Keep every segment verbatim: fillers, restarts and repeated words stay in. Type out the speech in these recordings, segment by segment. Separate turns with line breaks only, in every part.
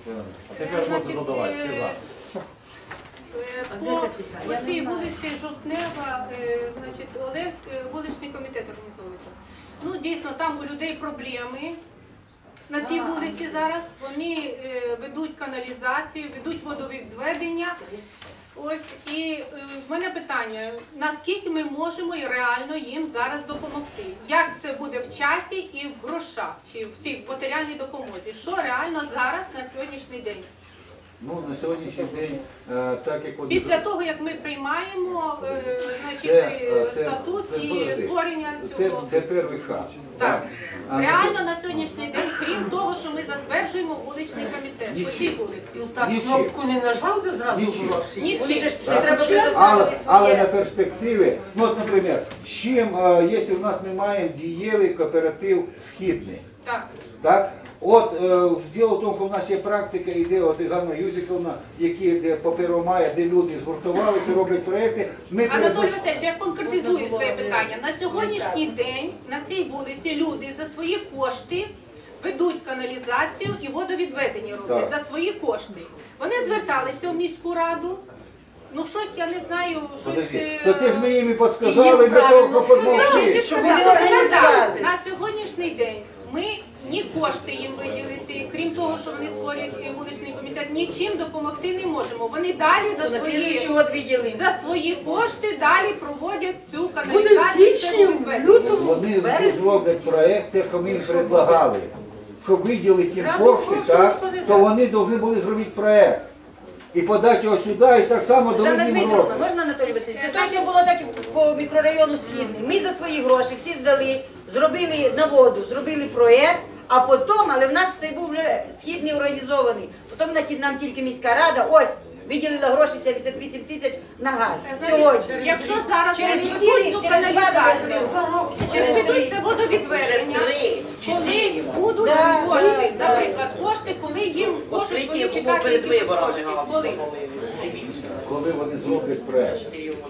А тепер можна задавати, всі за.
По, по цій вулиці Жовтнева, е, значить, Олевськ, е, вуличний комітет організовується. Ну, дійсно, там у людей проблеми на цій вулиці зараз. Вони е, ведуть каналізацію, ведуть водовідведення. Ось, і е, в мене питання, наскільки ми можемо і реально їм зараз допомогти? Як це буде в часі і в грошах, чи в цій матеріальній допомозі? Що реально зараз на сьогоднішній день?
Ну, на сьогоднішній день, е, так як... от-
Після того, як ми приймаємо, е, значить,
Це,
е,
це-
статут
це
і
подожди.
створення
Це,
цього.
це перший хаб.
Так.
А на
Реально на сьогоднішній день, крім того, що ми затверджуємо вуличний комітет по цій вулиці.
Ну так,
Нічим.
кнопку не нажав, де зразу
Нічим.
гроші.
Нічим.
Вони ж
Так.
треба
Але,
предоставити
але на
своє.
перспективі, ну от, наприклад, з чим, е, якщо в нас ми маємо дієвий кооператив східний,
Так.
так? От е, діло в тому, що в нас є практика, іде от Ганна Юзиковна, які де паперомає, де люди згуртувалися, роблять проекти. Ми
Анатолій
передбач-
Васильович, я конкретизую своє питання. На сьогоднішній день на цій вулиці люди за свої кошти ведуть каналізацію і водовідведення роблять
Так.
за свої кошти. Вони зверталися в міську раду. Ну щось я не знаю, щось...
Подожди,
е,
то це ж ми їм і підсказали
Їм
для того,
правильно
щоб
Ну,
допомогти.
ви
Щоб
сказали,
вони організували.
так. На сьогоднішній день ми ні кошти їм виділити, крім того, що вони створюють е, вуличний комітет, нічим допомогти не можемо. Вони далі за
На
свої,
слідуючий год виділи.
за свої кошти далі проводять цю
Буде в
каналізацію.
січні,
це
в
відведення.
лютому,
Вони
в березні.
зроблять проєкт, те, що ми їм предлагали. Щоб виділити їм
Зразу
кошти,
гроші
так,
ніхто не
то
дасть.
вони повинні були зробити проєкт. І подати його сюди, і так само дали
Жанна
їм
Дмитровна,
гроші.
можна Анатолій Васильович? Це точно було так і по мікрорайону Східний. Ми за свої гроші всі здали, зробили на воду, зробили проєкт, а потім, але в нас цей був вже Східний організований. Потім на- нам тільки міська рада, ось, виділила гроші сімдесят вісім тисяч на газ.
Значить,
Сьогодні.
якщо зараз
Через
вони
який
ведуть
рік?
цю
Через два
каналізацію,
роки?
через ведуть це водовідведення, коли будуть
Да,
кошти,
да,
наприклад, кошти, коли їм можуть вони чекати
перед
якісь
виборами
кошти,
газ
коли?
Коли вони зроблять проєкт.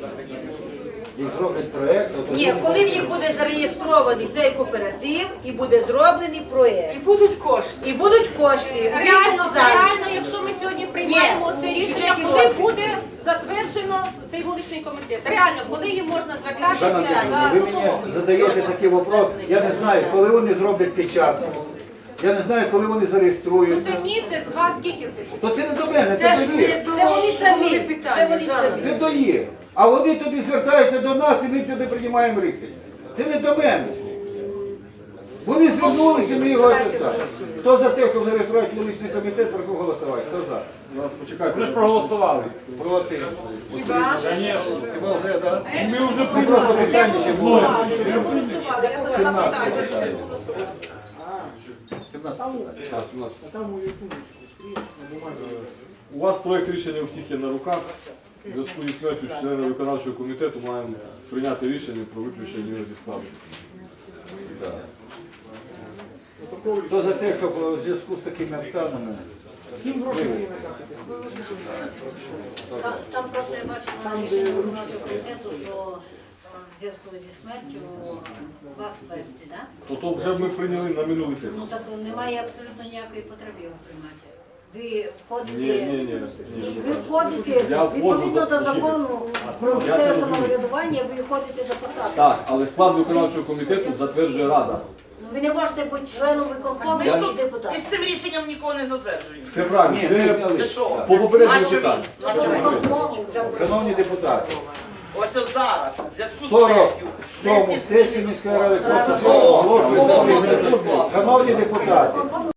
І зроблять проєкт, то
Ні,
тоді-
коли в їх буде зареєстрований цей кооператив і буде зроблений проєкт.
І будуть кошти.
І будуть кошти.
Реально,
зараз.
реально, якщо ми сьогодні приймаємо це рішення,
бюджеті
коли
розвитку.
буде затверджено цей вуличний комітет? Реально, коли їм можна звертатися
Жанна Дмитрівна,
за
ви мені
допомогою?
задаєте такий вопрос, я не знаю, коли вони зроблять печатку, я не знаю, коли вони
Ну
зареєструють.
це місяць, два, скільки це?
То це не до мене,
Це
це
ж
до
не
їх.
до
Це вони самі,
голови питання,
це вони
Жанна.
самі.
Це до їх. А вони туди звертаються до нас і ми туди приймаємо рішення. Це не до мене. Вони звернулися, ми його описали. Хто за те, щоб зареєструвати вуличний комітет, прошу голосувати. Хто за?
Почекайте, ви ж проголосували.
Проти.
Хіба?
Звісно.
Хіба вже, так?
Ми вже
Ну, просто питання ще було.
Я голосувала, я задала питання, що не голосувала.
У вас проєкт рішення у всіх є на руках. В зв'язку зі смертю члена виконавчого комітету маємо прийняти рішення про виключення його зі складу.
Хто за те, щоб у зв'язку з такими обставинами?
Там, там просто я бачила рішення виконавчого комітету, що е, в зв'язку зі смертю вас ввести, да?
То то вже ми прийняли на минулий
Ну
сесії.
так немає абсолютно ніякої потреби його приймати. Ви входите,
Ні, ні, ні. ні.
ви входите
Я входжу
відповідно
за-
до закону про
Я це
місцеве
розумію.
самоврядування, ви входите за посаду.
Так, але склад виконавчого комітету затверджує Рада.
Ну, ви не можете бути членом виконкому
Я-
і
Ми
депутатом.
з цим рішенням нікого не затверджуємо.
Це правильно,
Ні,
це
ми зняли.
Це що?
по попередньому
Нащо
питанню.
він? Нащо він?
Виконкому вже
Шановні депутати,
Ось ось зараз, в зв'язку з
сорок
смертю.
сьому
внести
сесії
зміни до
міської ради
складу.
просто оголошую.
Оголошую.
Шановні депутати,